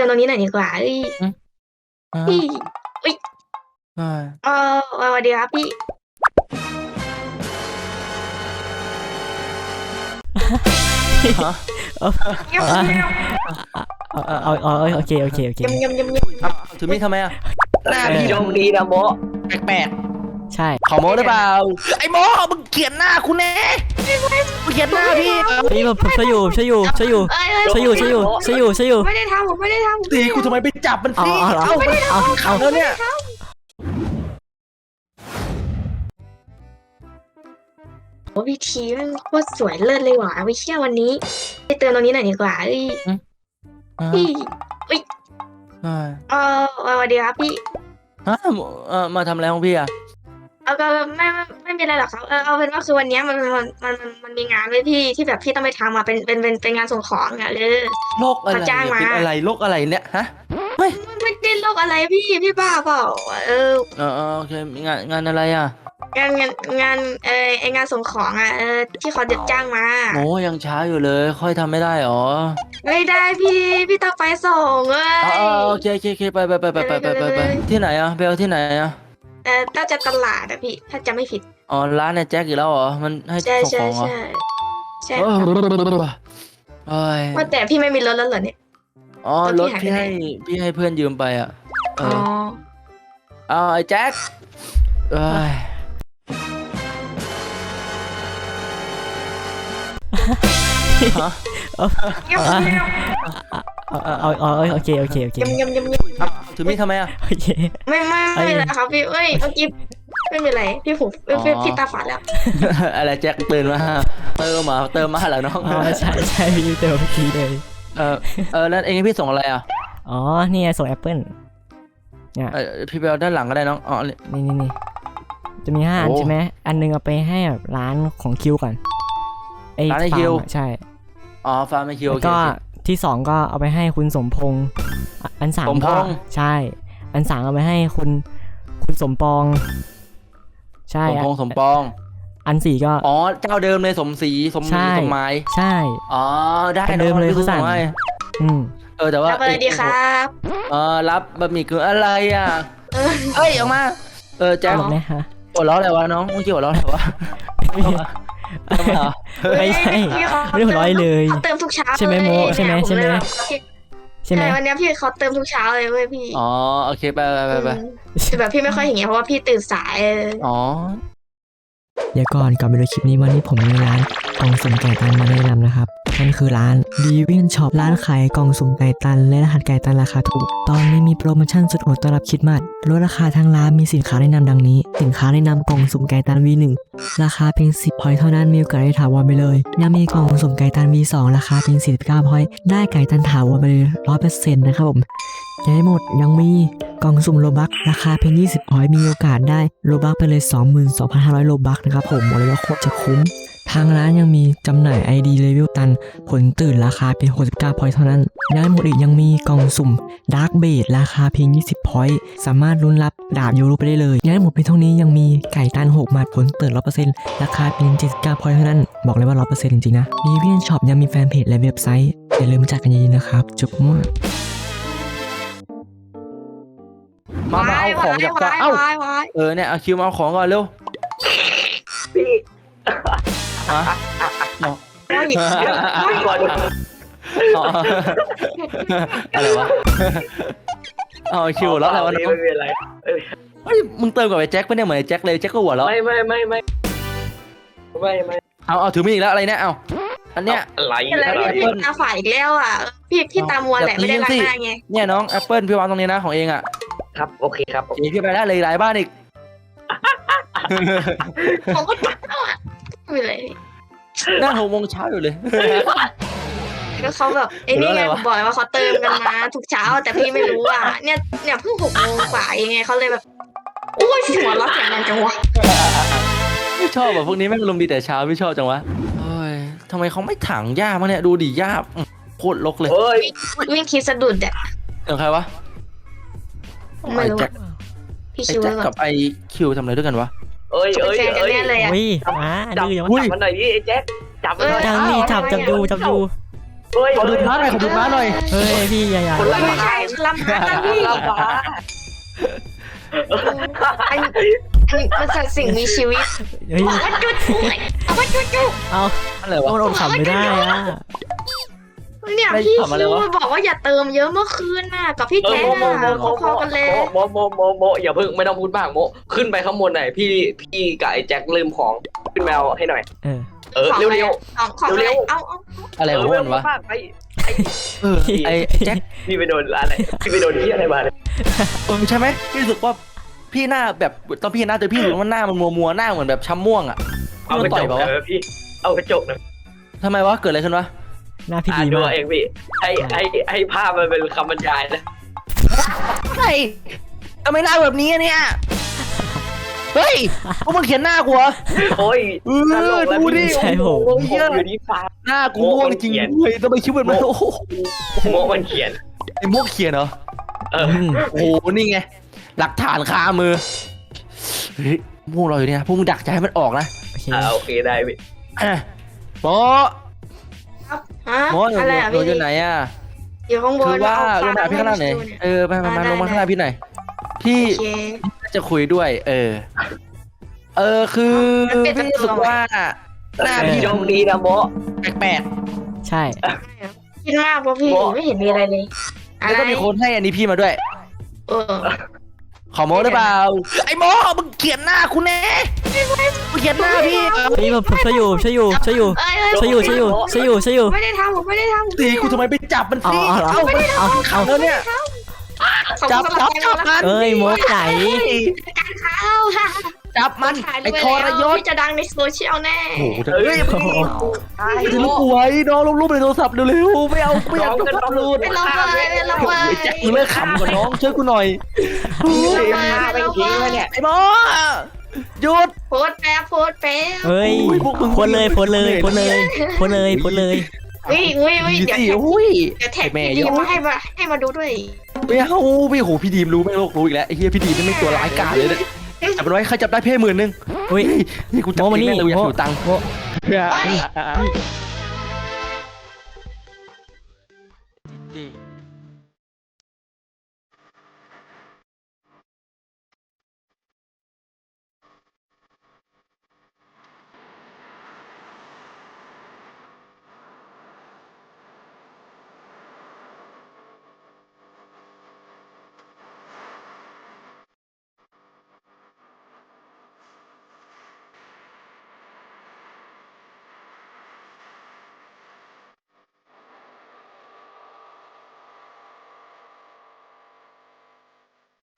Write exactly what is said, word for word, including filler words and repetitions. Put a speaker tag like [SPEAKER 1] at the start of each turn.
[SPEAKER 1] อนตรงนี้หน่อยดีกว่าเอ้ย
[SPEAKER 2] อืมอ่า
[SPEAKER 1] พี่อุ้ย
[SPEAKER 2] ใช่
[SPEAKER 1] เออสวัสดีครับพี่
[SPEAKER 2] ฮะ
[SPEAKER 1] เงียบเงียบ
[SPEAKER 3] เอาเอาเอาเอาโอเคโอเคโอเค
[SPEAKER 1] เงียบเงียบเงียบเงียบ
[SPEAKER 2] เอาถือมีดทำไมอ่ะ
[SPEAKER 4] หน้าพี่ดงดีนะโมแปลก
[SPEAKER 3] ใช่
[SPEAKER 2] ขอโม้หรือเปล่า
[SPEAKER 4] ๆไอ้โมมึงเขียนหน้าคุณแน่มึงเขียนหน้าพี่
[SPEAKER 3] นี่ผมผมช่วยอยู่ช่วยอยู่ช่วยอยู่
[SPEAKER 1] เอ้ยเอ้ย
[SPEAKER 3] ช่วยอยู่ช่วยอยู่ช่วยอยู่ช่วยอยู่
[SPEAKER 1] ไม่ได้ทำผมไม่ได้ทำผม
[SPEAKER 4] ตีกูทำไมไปจับมัน
[SPEAKER 3] เอา
[SPEAKER 4] สิ
[SPEAKER 3] เอาเอาเอาเอา
[SPEAKER 4] แล้วเนี่ย
[SPEAKER 1] โอ้พี่ทีมันโคตรสวยเลิศเลยว่ะไปเที่ยววันนี้ไปเตือนตรงนี้หน่อยดีกว่าเอ้ย
[SPEAKER 2] อ่า
[SPEAKER 1] พี่อุ้ย
[SPEAKER 2] ใช่
[SPEAKER 1] เออสวัสดีครับพี่
[SPEAKER 2] ฮะเออมาทำอะไรของพี่อ่ะ
[SPEAKER 1] เอาก็ไม่ไม่ไม่มีอะไรหรอกครับเออเอาเป็นว่าคือวันเนี้ยมันมันมันมันมันมีงานไว้พี่ที่แบบพี่ต้องไปทำอ่ะเป็นเป็นเป็นเป็นงานส่งของอ่ะเออ
[SPEAKER 2] โรคอะไร
[SPEAKER 1] เขาจ้างมา
[SPEAKER 2] เป็นอะไรโรคอะไรเนี่ยฮะ
[SPEAKER 1] ไม่ไม่ได้โรคอะไรพี่พี่บ้าเปล่าเออ
[SPEAKER 2] เออเออโอเคงานงานอะไรอ่ะ
[SPEAKER 1] งานงานงานเออไองานส่งของอ่ะเออที่เขาเด็ดจ้างมา
[SPEAKER 2] โอ้ยังช้าอยู่เลย ค่อยทำไม่ได้หรอ
[SPEAKER 1] ไม่ได้พี่พี่ต้องไปส่งเอ้
[SPEAKER 2] อ๋อย โอเคโอเคโอเคไปไปไปไปไปไปไปไปที่ไหนอ่ะเบลที่ไหนอ่ะ
[SPEAKER 1] เออน่าจะตลาดอะพี่ถ้าจะไม่ผิด
[SPEAKER 2] อ๋อร้านในแจ็คอีกแล้วเหรอมันให้
[SPEAKER 1] ใช่
[SPEAKER 2] ส่ง
[SPEAKER 1] ใช่
[SPEAKER 2] ของเหรอ
[SPEAKER 1] ใช่ใช่
[SPEAKER 2] เออโอ้ย
[SPEAKER 1] ว่าแต่พี่ไม่มีรถแล้วเหรอเนี่ย
[SPEAKER 2] อ๋อ
[SPEAKER 1] แล้ว
[SPEAKER 2] ร
[SPEAKER 1] พี่
[SPEAKER 2] ถ
[SPEAKER 1] หายไป
[SPEAKER 2] พี่
[SPEAKER 1] ไหน
[SPEAKER 2] ให้พี่ให้เพื่อนยืมไปอ่ะเอ
[SPEAKER 1] อ๋อ
[SPEAKER 2] อเอาไอ้แจ็คเอ้ย ฮะ
[SPEAKER 1] เงียบเงียบ
[SPEAKER 3] เอาเอาเอาเอาโอเคโอเคโอเค
[SPEAKER 1] เงียบเงียบเงียบเงียบ
[SPEAKER 2] เอาถือมีดทำไมอ่ะ
[SPEAKER 3] โอเค
[SPEAKER 1] ไม่ไม่ไม่เลยครับพี่เอ้ยเมื่อกี้ไม่เป็นไรพี่หูพี่พี่พี่ตาฝาดแล้ว
[SPEAKER 2] อะไรแจ็คตื่นมาเติมมาเติมมาเหรอน้อง
[SPEAKER 3] อ๋อใช่ใช่พี่เติมเมื่อกี้เลย
[SPEAKER 2] เออเออแล้วเองให้พี่ส่งอะไรอ่ะ
[SPEAKER 3] อ๋อนี่ไงส่งแอปเปิ้ลเนี่ย
[SPEAKER 2] เออพี่ไปเอาด้านหลังก็ได้น้องอ๋อนี่
[SPEAKER 3] นี่นี่นี่จะมีห้าอัน
[SPEAKER 2] โอ้
[SPEAKER 3] ใช่ไหมอันหนึงเอาไปให้แบบร้านของคิวก่อนไอ้
[SPEAKER 2] ร้านไอ้
[SPEAKER 3] ฟา
[SPEAKER 2] คิว
[SPEAKER 3] ร์มอะใช่
[SPEAKER 2] อ๋อฟาร์มไอคิว
[SPEAKER 3] แล้ว
[SPEAKER 2] โอเค
[SPEAKER 3] ก็
[SPEAKER 2] โอเค
[SPEAKER 3] ที่สองก็เอาไปให้คุณสมพงษ์อ่ะอันสาม
[SPEAKER 2] สมพ
[SPEAKER 3] ก็
[SPEAKER 2] งษ์
[SPEAKER 3] ใช่ อันสามเอาไปให้คุณคุณสมปอง ใช่
[SPEAKER 2] สมพงษ์สมปอง
[SPEAKER 3] อันสี่ก็
[SPEAKER 2] อ๋อเจ้าเดิมเลยสมศรีสม
[SPEAKER 3] ใช่
[SPEAKER 2] สมหมาย
[SPEAKER 3] ใช่
[SPEAKER 2] อ๋อได้
[SPEAKER 3] คนเดิมเลย
[SPEAKER 2] น้อง
[SPEAKER 3] เขาสั่ง
[SPEAKER 2] พี่ส่ให้
[SPEAKER 3] อืม
[SPEAKER 2] เออแต่ว่า
[SPEAKER 1] รับอะไรดีครับ
[SPEAKER 2] เออรับบะหมี่กึ่งอะไรอ่ะ
[SPEAKER 1] เออ
[SPEAKER 2] เอ้ยออกมาเออแจ็ค
[SPEAKER 3] ตลกไหมฮะ
[SPEAKER 2] หัวเราะอะไรวะน้องเมื่อกี้หัวเราะอะไรวะทำไมเหรอ
[SPEAKER 3] ไม่ใช่
[SPEAKER 1] พี่เขา
[SPEAKER 3] ไม่ได้หัวเราะเลย
[SPEAKER 1] เขาเติมทุกเช้า
[SPEAKER 3] ใช่ไหมโม
[SPEAKER 1] เลย
[SPEAKER 3] ใช่ไหม
[SPEAKER 1] เนี่ย
[SPEAKER 3] ใช่ไหม
[SPEAKER 1] ผเลยแบบ
[SPEAKER 3] ใช่ไหม
[SPEAKER 1] ใช่วันเนี้ยพี่เขาเติมทุกเช้าเลยเว้ยพี่
[SPEAKER 2] อ๋อโอเคไปไปไปไป
[SPEAKER 1] อืมแต่แบบพี่ไม่ค่อยเห็นไงเพราะว่าพี่ตื่นสายเออ
[SPEAKER 2] อ๋อ
[SPEAKER 3] เดี๋ยวก่อนก่อนไปดูคลิปนี้วันนี้ผมมีร้านกล่องสุ่มไก่ตันมาแนะนำนะครับนั่นคือร้าน Divin Shop ร้านขายกล่องสุ่มไก่ตันและรหัสไก่ตันราคาถูกตอนนี้มีโปรโมชั่นสุดโหดต้อนรับคริสต์มาสลดราคาทางร้านมีสินค้าแนะนำดังนี้สินค้าแนะนำกล่องสุ่มไก่ตัน วี หนึ่ง ราคาเพียงสิบพอยต์เท่านั้นมีโอกาสได้ถาวรไปเลยยังมีกล่องสุ่มไก่ตัน วี สอง ราคาเพียงสี่สิบเก้าพอยต์ได้ไก่ตันถาวรไปเลย ร้อยเปอร์เซ็นต์ นะครับผมยังไม่หมดยังมีกล่องสุ่มโลบัคราคาเพียงยี่สิบพอยต์มีโอกาสได้โลบัคไปเลย สองหมื่นสองพันห้าร้อย โลบัคนะครับผมบอกเลยว่าโคตรจะคุ้มทางร้านยังมีจำหน่าย ไอ ดี เลเวลตันผลตื่นราคาเพียงหกสิบเก้าพอยต์เท่านั้นยังไม่หมดอีกยังมีกล่องสุ่มดาร์กเบดราคาเพียงยี่สิบพอยต์สามารถลุ้นรับดาบยูโรไปได้เลยยังไม่หมดเพียงเท่านี้ยังมีไก่ตันหกหมัดผลตื่น ร้อยเปอร์เซ็นต์ ราคาเพียงเจ็ดสิบเก้าพอยต์เท่านั้นบอกเลยว่า ร้อยเปอร์เซ็นต์ จริงๆนะ Divin Shop ยังมีแฟนเพจและเว็บไซต์อย่าลืมมาจัดกันเยอะๆนะครับจุ๊บมั่ว
[SPEAKER 2] มามาเอาของจากก
[SPEAKER 1] วาย
[SPEAKER 2] เอ้าว
[SPEAKER 1] ายวาย
[SPEAKER 2] เออเนี่ยเอาคิวมาเอาของก่อนเร็ว
[SPEAKER 4] พี่
[SPEAKER 2] ฮะ
[SPEAKER 1] วาย
[SPEAKER 4] พี่ก่อน
[SPEAKER 2] อ๋ออะไรวะเอาคิวแล้วอะไรวะน้อง
[SPEAKER 4] ไม่เป็นไร
[SPEAKER 2] เฮ้ยมึงเติมกับไอ้แจ็คไม่ได้เหมือนไอ้แจ็คเลยแจ็คก็หัวเราะ
[SPEAKER 4] ไม่ไม่ไม่ไม่ไม่ไม่
[SPEAKER 2] เอาเอาถือมีดอีกแล้วอะไรเนี่ยเอาอันเนี้ย
[SPEAKER 4] อะไร
[SPEAKER 1] อะไรพี่พี่ตาฝ่ายอีกแล้วอ่ะพี่พี่ตามัวแหละไม่ได้ล้างหน้าไง
[SPEAKER 2] เนี่ยน้องแอปเปิลพี่วางตรงนี้นะของเองอ่ะ
[SPEAKER 4] ครับโอเคครับ
[SPEAKER 2] โอเคพี่ไปได้เลยหลายบ้านอีก
[SPEAKER 1] ผมก็ตัดแล้วอ่ะไม่เป็นไร
[SPEAKER 2] นั่นหกโมงเช้าอยู่เลย
[SPEAKER 1] ก็เขาแบบไอ้นี่ไง
[SPEAKER 2] หรืออะไรวะ
[SPEAKER 1] ผมบอกเลยว่าเขาเติมกันมาทุกเช้าแต่พี่ไม่รู้อ่ะเนี่ยเนี่ยเพิ่งหกโมงกว่าเองไงเขาเลยแบบโอ้ยหัวเราะเสียงดังจังวะ
[SPEAKER 2] ไม่ชอบแบบพวกนี้แม่งลมณ์ดีแต่เช้าพี่ชอบจังวะเฮ้ยทำไมเขาไม่ถังหญ้ามั้งเนี่ยดูดิหญ้าอื้อโคตรรกเลย
[SPEAKER 4] เฮ้ย
[SPEAKER 1] วิ่งคิดสะดุดอ่ะ
[SPEAKER 2] เสียงใครวะ
[SPEAKER 1] ไม่
[SPEAKER 2] ไอ้
[SPEAKER 1] รู้
[SPEAKER 2] แจ็ค
[SPEAKER 1] พี่
[SPEAKER 2] ไอ้
[SPEAKER 1] ชิว
[SPEAKER 2] แจ็ค
[SPEAKER 1] ก่อ
[SPEAKER 2] กับ
[SPEAKER 1] น
[SPEAKER 2] ไอ้คิวทำอะไรด้วยกันวะ
[SPEAKER 4] เอ้ย
[SPEAKER 1] เป็น
[SPEAKER 4] เอ้ย
[SPEAKER 1] แฟนกัน
[SPEAKER 4] เอ้ย
[SPEAKER 1] แน่เลยอ่ะ
[SPEAKER 3] อุ้ยมา
[SPEAKER 4] จับ
[SPEAKER 3] ดื้อยัง
[SPEAKER 4] จั
[SPEAKER 3] วะ
[SPEAKER 4] บมันหน่อยดิไอ้แจ็คจับมันหน่อย
[SPEAKER 3] จังนี่จับจับดูจับดู
[SPEAKER 5] เฮ้ย
[SPEAKER 2] ขอดูม้าหน่อยขอดูม้าหน่อย
[SPEAKER 3] เฮ้ยพี่อย่าอย่า
[SPEAKER 5] คนละ
[SPEAKER 1] ไม่ใช่ลำพังนะพี่
[SPEAKER 5] ลำบาก
[SPEAKER 1] อันนี้อันนี้มันสัตว์สิ่งมีชีวิต
[SPEAKER 3] เฮ้ย
[SPEAKER 1] เอาว่าจุดจุดเอาว่าจุดจุด
[SPEAKER 3] เอา
[SPEAKER 2] อะไรวะ
[SPEAKER 3] โดนอดขำไม่ได้อะ
[SPEAKER 1] เนี่ย
[SPEAKER 2] ไม่
[SPEAKER 1] พี่
[SPEAKER 2] ทำอะไร
[SPEAKER 1] คิว
[SPEAKER 2] วะ
[SPEAKER 1] บอกว่าอย่าเติมเยอะเมื่อคืนน่ะกับพี่
[SPEAKER 5] เออ
[SPEAKER 1] แท้
[SPEAKER 5] โมโม
[SPEAKER 1] น่ะ
[SPEAKER 5] โมโม
[SPEAKER 1] พอๆกันเลย
[SPEAKER 5] โมโมโมโมอย่าเพิ่งไม่ต้องพูดมากโมขึ้นไปข้างบนหน่อยพี่พี่กับไอ้แจ็คลืมของขึ้นแมวให้หน่อย
[SPEAKER 3] เออ
[SPEAKER 5] เออ
[SPEAKER 1] ของ
[SPEAKER 5] เร็ว
[SPEAKER 1] อะไร
[SPEAKER 5] เร็ว
[SPEAKER 1] ของของอะไร
[SPEAKER 5] เร็วๆ
[SPEAKER 1] เอาเอา
[SPEAKER 2] อะไรของมันวะ
[SPEAKER 5] ไป
[SPEAKER 2] เออไอ้แจ็ค
[SPEAKER 5] พี่ไปโดนอะไรพี่ไปโดนที่อะไรมาเนี่ย
[SPEAKER 2] เออใช่ไหมพี่รู้สึกว่าพี่หน้าแบบตอนพี่เห็นหน้าเจอพี่รู้สึกว่าหน้ามันมัวมัวๆหน้าเหมือนแบบช้ำม่วงอ่ะ
[SPEAKER 5] เอากระ
[SPEAKER 2] ต่
[SPEAKER 5] จ
[SPEAKER 2] อย
[SPEAKER 5] ก
[SPEAKER 2] เปล่าวะ
[SPEAKER 5] เออพี่เอากระจกหนะ
[SPEAKER 2] ทำไมวะเกิดอะไรขึ้นวะ
[SPEAKER 3] หน้าพี่
[SPEAKER 5] อ่าน
[SPEAKER 3] ดี
[SPEAKER 5] ดู
[SPEAKER 3] มาก
[SPEAKER 5] เองพี่ให้ให้ให้ภาพมันเป็นคำบรรยายนะ
[SPEAKER 2] เฮ้ยทำไมหน้าแบบนี้อะเนี่ยเฮ้ยพวกมึงเขียนหน้ากูเหรอ
[SPEAKER 5] โอ้ย
[SPEAKER 2] เออดูดิ
[SPEAKER 3] ใช่ผม
[SPEAKER 5] โอ้โหอยู่ที่ฟ้า
[SPEAKER 2] หน้ากูม่วงจริง
[SPEAKER 5] โม่มันเขียน
[SPEAKER 2] ๆเลยทำไมคิ้วแบบมันโอ้โห
[SPEAKER 5] โมมันเขียน
[SPEAKER 2] ไอ้ม่วงเขียนเหรอ
[SPEAKER 5] เออ
[SPEAKER 3] อืม
[SPEAKER 2] โอ้โหนี่ไงหลักฐานคามือเฮ้ยม่วงเราอยู่เนี่ยพวกมึงดักจะให้มันออกนะ
[SPEAKER 3] โอเค
[SPEAKER 5] อ่าโอเคได้พี่
[SPEAKER 2] อ่ะหมอ
[SPEAKER 1] ครับฮะ
[SPEAKER 2] หมออยู่
[SPEAKER 1] อะไรอ่ะ
[SPEAKER 2] อยู่
[SPEAKER 1] พี่
[SPEAKER 2] อยู่ไหนอ่ะ
[SPEAKER 1] อยู่ข้างบ
[SPEAKER 2] คื
[SPEAKER 1] น
[SPEAKER 2] อว่า
[SPEAKER 1] เอ
[SPEAKER 2] ลงมาหาพี่ข้างล่างหน่อย
[SPEAKER 1] ให้ดูเนี่ย
[SPEAKER 2] เออไปมามา
[SPEAKER 1] ได้
[SPEAKER 2] ลงมา
[SPEAKER 1] ได้
[SPEAKER 2] ข้างล่างพี่หน่อยพี่
[SPEAKER 1] โอเค
[SPEAKER 2] จะคุยด้วย เออ เออคือ
[SPEAKER 1] มันเป็น
[SPEAKER 2] พี่รู้สึกว่าหน้าพี่
[SPEAKER 5] โชคดีนะโม
[SPEAKER 2] แปลก
[SPEAKER 3] ใช่
[SPEAKER 1] คิดมากเพราะพี่
[SPEAKER 5] โม่
[SPEAKER 1] ไม่เห็นมีอะไรเลย
[SPEAKER 2] ๆแล้วก็มีคนให้อันนี้พี่มาด้วย
[SPEAKER 1] เออ
[SPEAKER 2] ขอโม้ได้เปล่าไอ้โม้มึงเขียนหน้าคุณแน่มึงเขียนหน้าพี่
[SPEAKER 3] เฮ้ยผมผมช่วยอยู่ช่วยอยู่ช่วยอยู่
[SPEAKER 1] เอ้ยเอ้ย
[SPEAKER 3] ช่วยอยู่ช่วยอยู่ช่วยอยู่ช่วยอยู่
[SPEAKER 1] ไม่ได้ทำผมไม่ได้ทำ
[SPEAKER 2] ตีกูทำไมไปจับมัน
[SPEAKER 3] เอา
[SPEAKER 2] สิ
[SPEAKER 3] เอาเอาเอาเอา
[SPEAKER 2] แล้วเนี่ย
[SPEAKER 1] ขอบ
[SPEAKER 2] จับ
[SPEAKER 1] คุณ
[SPEAKER 2] จับ
[SPEAKER 1] สำห
[SPEAKER 2] จั
[SPEAKER 1] รั
[SPEAKER 2] บบ มัน
[SPEAKER 3] เอ้ยโมไหน
[SPEAKER 1] การเข้าค่ะ
[SPEAKER 2] จับมัน
[SPEAKER 1] ถ่าย
[SPEAKER 2] ไอ้
[SPEAKER 1] ด้วย
[SPEAKER 2] ทรยศ
[SPEAKER 1] พี่จะดังในโซเชียลแน่
[SPEAKER 2] โอ้โห
[SPEAKER 5] เฮ้ย
[SPEAKER 2] ถือลูกกูไว้น้องลงรูปในโทรศัพท์เร็วๆไม่เอาไม่อยากจะพับรูด
[SPEAKER 1] ไม่ลงเลยไม่ลงเลย
[SPEAKER 2] ไอ้แจ็คมึงเลิกขำก่อนน้องช่วยกูหน่อย
[SPEAKER 5] ไปทิ้งแล้วเนี่ย
[SPEAKER 2] ไอ้โม้หยุด
[SPEAKER 1] โพสต์แป๊บโพสต์แป๊บ
[SPEAKER 3] เฮ้ย
[SPEAKER 2] อุ้ยพวกมึง
[SPEAKER 3] โพสเลยโพสเลยโพสเลยโพสเลยโพสเลย
[SPEAKER 1] อุ้ยอุ้ยอุ้ยเดี๋ยว
[SPEAKER 2] สิ
[SPEAKER 1] แท็ก
[SPEAKER 2] อุ้ย
[SPEAKER 1] เดี๋ยวแท็ก
[SPEAKER 2] แม่
[SPEAKER 1] พี่ดี
[SPEAKER 2] ยอ
[SPEAKER 1] มาให้มาให้มาดูด้วย
[SPEAKER 2] ไม่เอาพี่โหพี่ดีมรู้ไม่โลกรู้อีกแล้วไอ้เฮียพี่ดีมนี่ไม่ตัวร้ายกาจเลยเนี่ยจับมันไว้ใครจับได้เพ่หมื่นหนึง
[SPEAKER 3] เฮ้ย
[SPEAKER 2] นี่กูจับ
[SPEAKER 3] โมมา
[SPEAKER 2] เอง
[SPEAKER 3] นี่
[SPEAKER 2] แม่งเลยอยาก
[SPEAKER 3] โม
[SPEAKER 2] ถือตังค์
[SPEAKER 3] โม